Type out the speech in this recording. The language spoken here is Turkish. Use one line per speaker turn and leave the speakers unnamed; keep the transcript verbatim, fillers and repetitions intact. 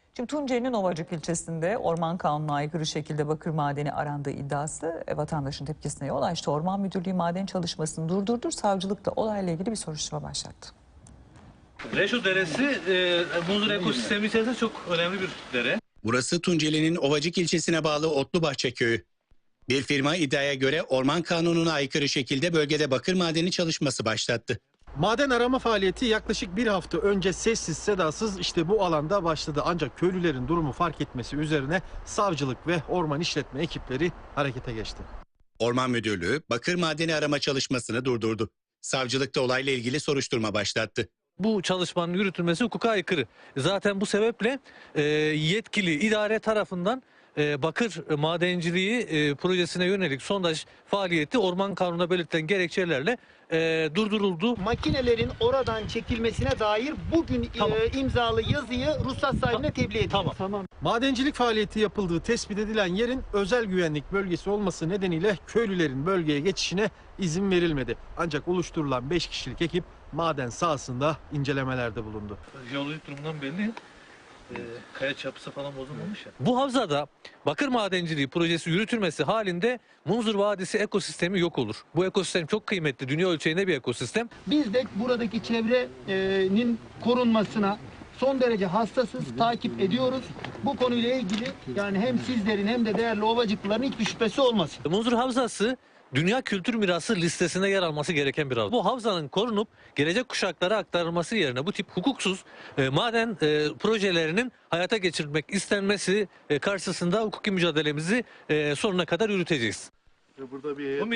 Şimdi Tunceli'nin Ovacık ilçesinde orman kanununa aykırı şekilde bakır madeni arandığı iddiası e, vatandaşın tepkisine yol açtı. Orman Müdürlüğü maden çalışmasını durdurdu. Savcılık da olayla ilgili bir soruşturma başlattı.
Reşo Deresi e, Muzur ekosistemi içerisinde çok önemli bir dere.
Burası Tunceli'nin Ovacık ilçesine bağlı Otlubahçe köyü. Bir firma iddiaya göre orman kanununa aykırı şekilde bölgede bakır madeni çalışması başlattı.
Maden arama faaliyeti yaklaşık bir hafta önce sessiz sedasız işte bu alanda başladı. Ancak köylülerin durumu fark etmesi üzerine savcılık ve orman işletme ekipleri harekete geçti.
Orman Müdürlüğü bakır madeni arama çalışmasını durdurdu. Savcılık da olayla ilgili soruşturma başlattı.
Bu çalışmanın yürütülmesi hukuka aykırı. Zaten bu sebeple e, yetkili idare tarafından e, bakır madenciliği e, projesine yönelik sondaj faaliyeti orman kanununa belirtilen gerekçelerle e, durduruldu.
Makinelerin oradan çekilmesine dair bugün
Tamam.
e, imzalı yazıyı ruhsat sahibine tebliğ edildi.
Tamam.
tamam.
Madencilik faaliyeti yapıldığı tespit edilen yerin özel güvenlik bölgesi olması nedeniyle köylülerin bölgeye geçişine izin verilmedi. Ancak oluşturulan beş kişilik ekip maden sahasında incelemelerde bulundu.
Jeolojik durumundan belli. E, kaya çapısı falan bozulmamış ya. Bu havzada bakır madenciliği projesi yürütülmesi halinde Munzur Vadisi ekosistemi yok olur. Bu ekosistem çok kıymetli, dünya ölçeğinde bir ekosistem.
Biz de buradaki çevrenin korunmasına son derece hassasız, takip ediyoruz. Bu konuyla ilgili yani hem sizlerin hem de değerli ovacıklıların hiçbir şüphesi olmasın.
Munzur Havzası Dünya Kültür Mirası listesine yer alması gereken bir havza. Bu havzanın korunup gelecek kuşaklara aktarılması yerine bu tip hukuksuz e, maden e, projelerinin hayata geçirilmek istenmesi e, karşısında hukuki mücadelemizi e, sonuna kadar yürüteceğiz.
Burada bir